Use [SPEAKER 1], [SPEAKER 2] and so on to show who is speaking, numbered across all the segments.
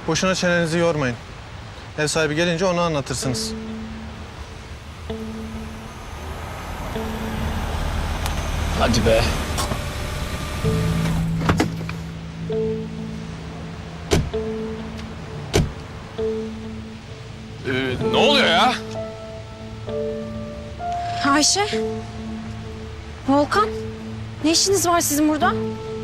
[SPEAKER 1] Boşuna çenenizi yormayın. Ev sahibi gelince onu anlatırsınız.
[SPEAKER 2] Hadi be.
[SPEAKER 3] Ne oluyor ya?
[SPEAKER 4] Ayşe. Volkan. Ne işiniz var sizin burada?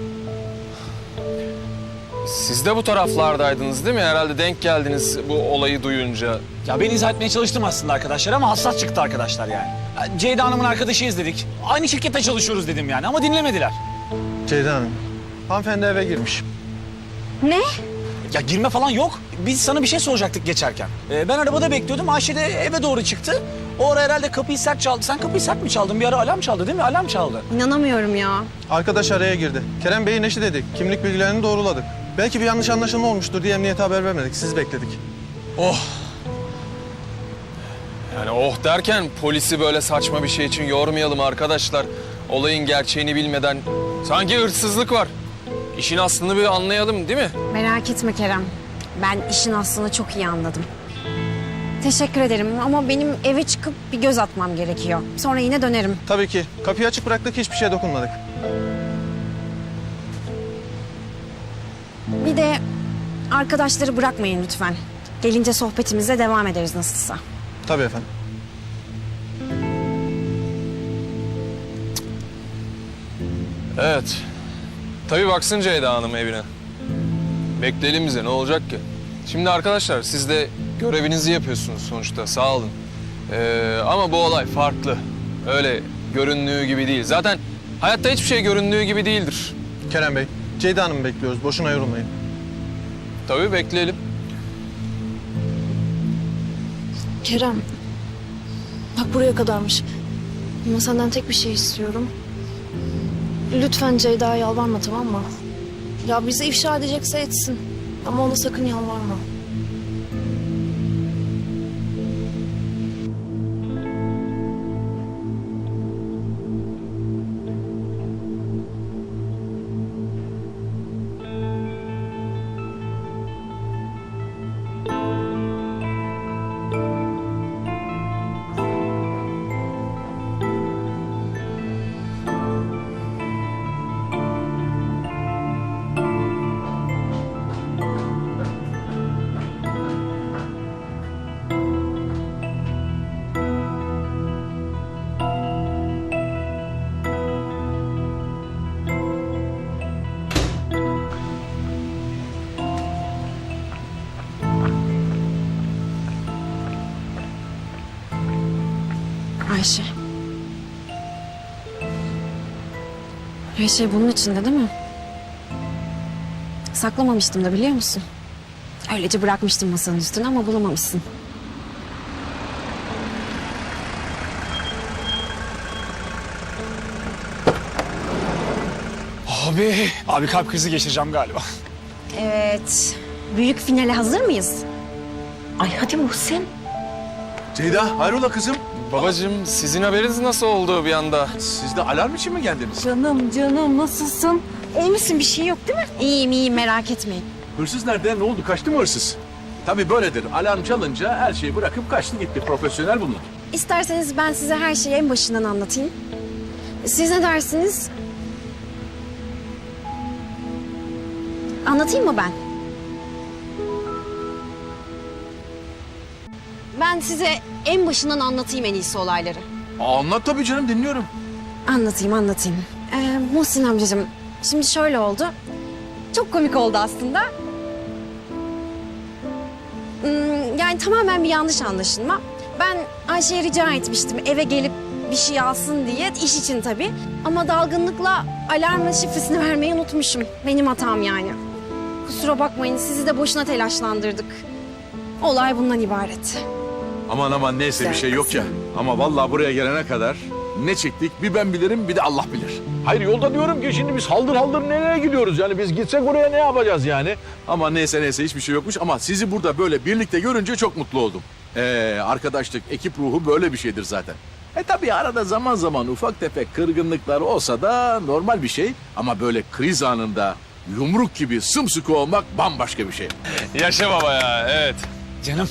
[SPEAKER 3] Siz de bu taraflardaydınız değil mi? Herhalde denk geldiniz bu olayı duyunca.
[SPEAKER 2] Ya ben izah etmeye çalıştım aslında arkadaşlar ama hassas çıktı arkadaşlar yani. Ya Ceyda Hanım'ın arkadaşıyız dedik. Aynı şirkette çalışıyoruz dedim yani ama dinlemediler.
[SPEAKER 1] Ceyda Hanım, hanımefendi eve girmiş.
[SPEAKER 4] Ne?
[SPEAKER 2] Ya girme falan yok. Biz sana bir şey soracaktık geçerken. Ben arabada bekliyordum. Ayşe de eve doğru çıktı. O ara herhalde kapıyı sert çaldı. Sen kapıyı sert mi çaldın? Bir ara alarm çaldı değil mi? Alarm çaldı.
[SPEAKER 4] İnanamıyorum ya.
[SPEAKER 1] Arkadaş araya girdi. Kerem Bey'in eşi dedik. Kimlik bilgilerini doğruladık. Belki bir yanlış anlaşılma olmuştur diye emniyete haber vermedik. Siz bekledik.
[SPEAKER 3] Oh. Yani oh derken polisi böyle saçma bir şey için yormayalım arkadaşlar. Olayın gerçeğini bilmeden sanki hırsızlık var. İşin aslını bir anlayalım değil mi?
[SPEAKER 4] Merak etme Kerem. Ben işin aslını çok iyi anladım. Teşekkür ederim ama benim eve çıkıp bir göz atmam gerekiyor. Sonra yine dönerim.
[SPEAKER 1] Tabii ki. Kapıyı açık bıraktık, hiçbir şeye dokunmadık.
[SPEAKER 4] Bir de arkadaşları bırakmayın lütfen. Gelince sohbetimize devam ederiz nasılsa.
[SPEAKER 1] Tabii efendim.
[SPEAKER 3] Evet. Tabii baksın Ceyda Hanım evine. Bekleyelim bize, ne olacak ki? Şimdi arkadaşlar siz de görevinizi yapıyorsunuz sonuçta, sağ olun. Ama bu olay farklı. Öyle göründüğü gibi değil. Zaten hayatta hiçbir şey göründüğü gibi değildir.
[SPEAKER 1] Kerem Bey, Ceyda Hanım'ı bekliyoruz. Boşuna yorulmayın.
[SPEAKER 3] Tabii bekleyelim.
[SPEAKER 5] Kerem, bak buraya kadarmış. Ama senden tek bir şey istiyorum. Lütfen Ceyda'ya yalvarma, tamam mı? Ya bizi ifşa edecekse etsin. Ama ona sakın yalvarma.
[SPEAKER 4] Ayşe. Her şey bunun içinde değil mi? Saklamamıştım da biliyor musun? Öylece bırakmıştım masanın üstüne ama bulamamışsın.
[SPEAKER 2] Abi kalp krizi geçireceğim galiba.
[SPEAKER 4] Evet. Büyük finale hazır mıyız?
[SPEAKER 6] Ay hadi Muhsin.
[SPEAKER 7] Ceyda, hayrola kızım?
[SPEAKER 3] Babacığım sizin haberiniz nasıl oldu bir anda?
[SPEAKER 7] Siz de alarm için mi geldiniz?
[SPEAKER 6] Canım nasılsın? İyi misin, bir şey yok değil mi?
[SPEAKER 4] İyiyim merak etmeyin.
[SPEAKER 7] Hırsız nerede? Ne oldu? Kaçtı mı hırsız? Tabii böyledir. Alarm çalınca her şeyi bırakıp kaçtı gitti. Profesyonel bunlar.
[SPEAKER 4] İsterseniz ben size her şeyi en başından anlatayım. Siz ne dersiniz? Anlatayım mı ben? Ben size en başından anlatayım en iyisi olayları.
[SPEAKER 7] Anlat tabii canım, dinliyorum.
[SPEAKER 4] Anlatayım. Muhsin amcacığım, şimdi şöyle oldu. Çok komik oldu aslında. Yani tamamen bir yanlış anlaşılma. Ben Ayşe'ye rica etmiştim eve gelip bir şey alsın diye, iş için tabii. Ama dalgınlıkla alarmın şifresini vermeyi unutmuşum. Benim hatam yani. Kusura bakmayın, sizi de boşuna telaşlandırdık. Olay bundan ibaret.
[SPEAKER 7] Aman neyse bir şey yok ya. Ama vallahi buraya gelene kadar ne çektik bir ben bilirim bir de Allah bilir. Hayır yolda diyorum ki şimdi biz haldır haldır nereye gidiyoruz yani biz gitsek oraya ne yapacağız yani. Ama neyse hiçbir şey yokmuş ama sizi burada böyle birlikte görünce çok mutlu oldum. Arkadaşlık, ekip ruhu böyle bir şeydir zaten. Tabii arada zaman zaman ufak tefek kırgınlıklar olsa da normal bir şey. Ama böyle kriz anında yumruk gibi sımsıkı olmak bambaşka bir şey.
[SPEAKER 3] Yaşa baba ya, evet.
[SPEAKER 2] Canım.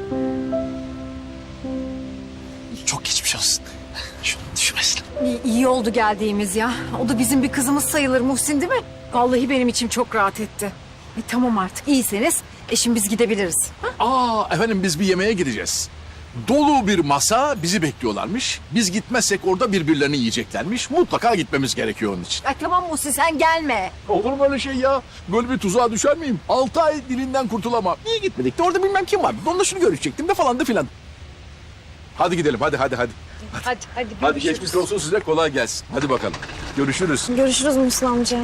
[SPEAKER 2] Çok geçmiş olsun. Şunu düşmesin.
[SPEAKER 6] İyi oldu geldiğimiz ya. O da bizim bir kızımız sayılır Muhsin değil mi? Vallahi benim içim çok rahat etti. Tamam artık iyiyseniz şimdi biz gidebiliriz.
[SPEAKER 7] Efendim biz bir yemeğe gideceğiz. Dolu bir masa bizi bekliyorlarmış. Biz gitmezsek orada birbirlerini yiyeceklermiş. Mutlaka gitmemiz gerekiyor onun için.
[SPEAKER 6] Ay tamam Muhsin sen gelme.
[SPEAKER 7] Olur mu öyle şey ya? Böyle bir tuzağa düşer miyim? 6 ay dilinden kurtulamam. Niye gitmedik de orada bilmem kim vardı. Onunla şunu görüşecektim de falan da filan. Hadi gidelim hadi. Hadi geçmiş olsun size kolay gelsin. Hadi bakalım. Görüşürüz.
[SPEAKER 5] Görüşürüz Muhsin amca.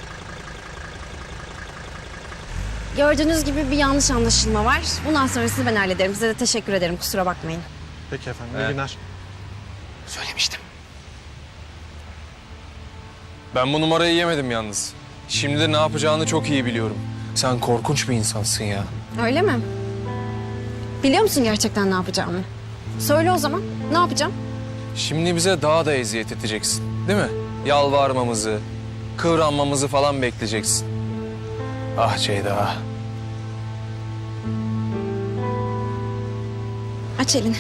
[SPEAKER 4] Gördüğünüz gibi bir yanlış anlaşılma var. Bundan sonrasını ben hallederim. Size de teşekkür ederim. Kusura bakmayın.
[SPEAKER 1] Peki efendim, iyi günler.
[SPEAKER 2] Söylemiştim.
[SPEAKER 3] Ben bu numarayı yemedim yalnız. Şimdi de ne yapacağını çok iyi biliyorum. Sen korkunç bir insansın ya.
[SPEAKER 4] Öyle mi? Biliyor musun gerçekten ne yapacağımı? Söyle o zaman. Ne yapacağım?
[SPEAKER 3] Şimdi bize daha da eziyet edeceksin, değil mi? Yalvarmamızı, kıvranmamızı falan bekleyeceksin. Ah Ceyda.
[SPEAKER 4] Aç elini.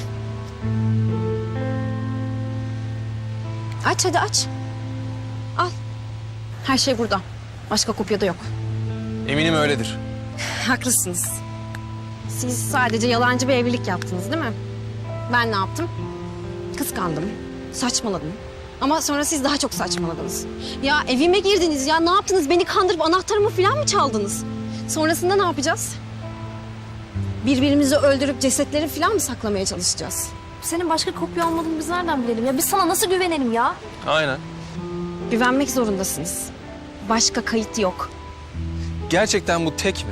[SPEAKER 4] Aç hadi aç. Al. Her şey burada. Başka kopyada yok.
[SPEAKER 3] Eminim öyledir.
[SPEAKER 4] Haklısınız. Siz sadece yalancı bir evlilik yaptınız değil mi? Ben ne yaptım? Kıskandım. Saçmaladım. Ama sonra siz daha çok saçmaladınız. Ya evime girdiniz ya ne yaptınız? Beni kandırıp anahtarımı falan mı çaldınız? Sonrasında ne yapacağız? Birbirimizi öldürüp cesetleri falan mı saklamaya çalışacağız?
[SPEAKER 5] Senin başka kopya olmadığını biz nereden bilelim ya? Biz sana nasıl güvenelim ya?
[SPEAKER 3] Aynen.
[SPEAKER 4] Güvenmek zorundasınız. Başka kayıt yok.
[SPEAKER 3] Gerçekten bu tek mi?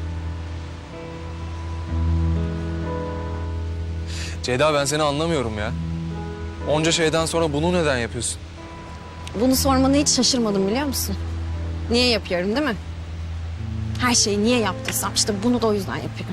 [SPEAKER 3] Ceyda ben seni anlamıyorum ya. Onca şeyden sonra bunu neden yapıyorsun?
[SPEAKER 4] Bunu sormana hiç şaşırmadım biliyor musun? Niye yapıyorum değil mi? Her şeyi niye yaptıysam işte bunu da o yüzden yapıyorum.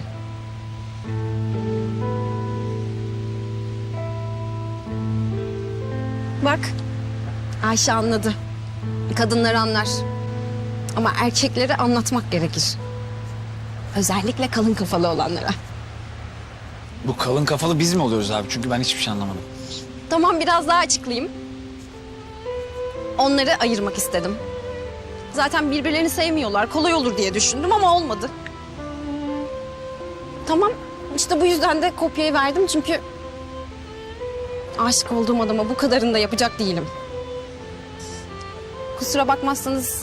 [SPEAKER 4] Bak Ayşe anladı. Kadınlar anlar. Ama erkeklere anlatmak gerekir. Özellikle kalın kafalı olanlara.
[SPEAKER 2] Bu kalın kafalı biz mi oluyoruz abi? Çünkü ben hiçbir şey anlamadım.
[SPEAKER 4] Tamam biraz daha açıklayayım. Onları ayırmak istedim. Zaten birbirlerini sevmiyorlar. Kolay olur diye düşündüm ama olmadı. Tamam işte bu yüzden de kopyayı verdim çünkü... aşık olduğum adama bu kadarını da yapacak değilim. Kusura bakmazsanız...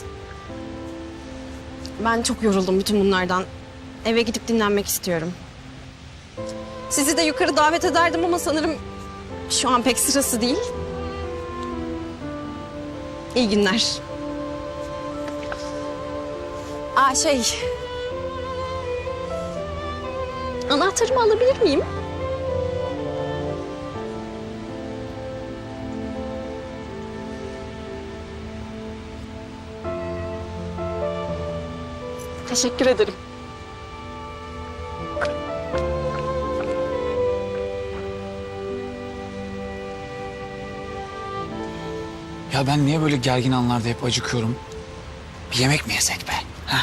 [SPEAKER 4] ben çok yoruldum bütün bunlardan. Eve gidip dinlenmek istiyorum. Sizi de yukarı davet ederdim ama sanırım şu an pek sırası değil. İyi günler. Anahtarımı alabilir miyim? Teşekkür ederim.
[SPEAKER 2] Ya ben niye böyle gergin anlarda hep acıkıyorum? Bir yemek mi yesek be? Ha?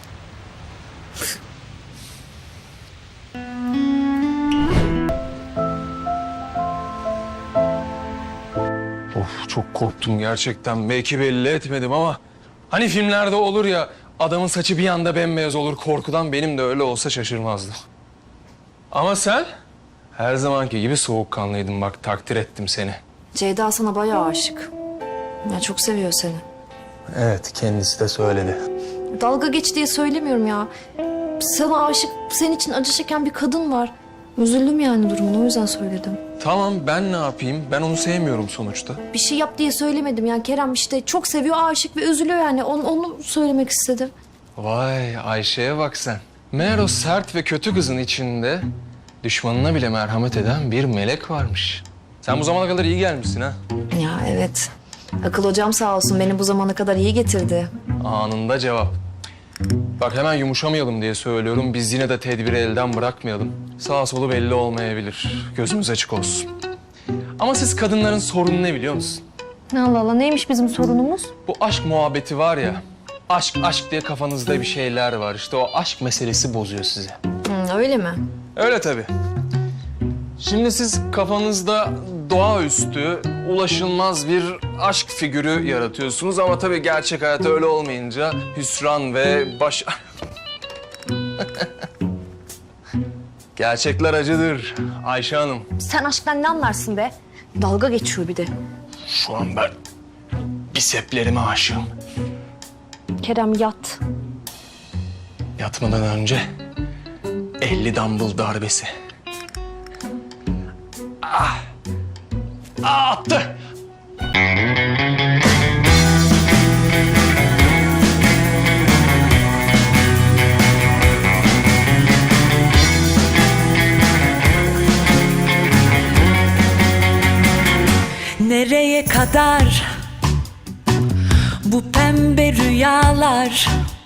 [SPEAKER 3] Of çok korktum gerçekten. Belki belli etmedim ama... hani filmlerde olur ya adamın saçı bir anda bembeyaz olur korkudan, benim de öyle olsa şaşırmazdım. Ama sen her zamanki gibi soğukkanlıydın, bak takdir ettim seni.
[SPEAKER 5] Ceyda sana bayağı aşık. Ya çok seviyor seni.
[SPEAKER 3] Evet kendisi de söyledi.
[SPEAKER 5] Dalga geç diye söylemiyorum ya. Sana aşık, senin için acı çeken bir kadın var. Üzüldüm yani durumuna, o yüzden söyledim.
[SPEAKER 3] Tamam ben ne yapayım, ben onu sevmiyorum sonuçta.
[SPEAKER 5] Bir şey yap diye söylemedim yani. Kerem işte çok seviyor, aşık ve üzülüyor yani. Onu söylemek istedim.
[SPEAKER 3] Vay Ayşe'ye bak sen. Meğer o sert ve kötü kızın içinde düşmanına bile merhamet eden bir melek varmış. Sen bu zamana kadar iyi gelmişsin ha.
[SPEAKER 5] Ya evet. Akıl hocam sağ olsun beni bu zamana kadar iyi getirdi.
[SPEAKER 3] Anında cevap. Bak hemen yumuşamayalım diye söylüyorum. Biz yine de tedbiri elden bırakmayalım. Sağ solu belli olmayabilir. Gözümüz açık olsun. Ama siz kadınların sorunu ne biliyor musun?
[SPEAKER 5] Allah Allah, neymiş bizim sorunumuz?
[SPEAKER 3] Bu aşk muhabbeti var ya. aşk diye kafanızda bir şeyler var. İşte o aşk meselesi bozuyor sizi.
[SPEAKER 5] Öyle mi?
[SPEAKER 3] Öyle tabii. Şimdi siz kafanızda doğaüstü, ulaşılmaz bir aşk figürü yaratıyorsunuz ama tabii gerçek hayat öyle olmayınca hüsran ve Gerçekler acıdır Ayşe Hanım.
[SPEAKER 5] Sen aşktan ne anlarsın be? Dalga geçiyor bir de.
[SPEAKER 3] Şu an ben biseplerime aşığım.
[SPEAKER 5] Kerem yat.
[SPEAKER 3] Yatmadan önce 50 dumbbell darbesi. Attı.
[SPEAKER 8] Nereye kadar bu pembe rüyalar?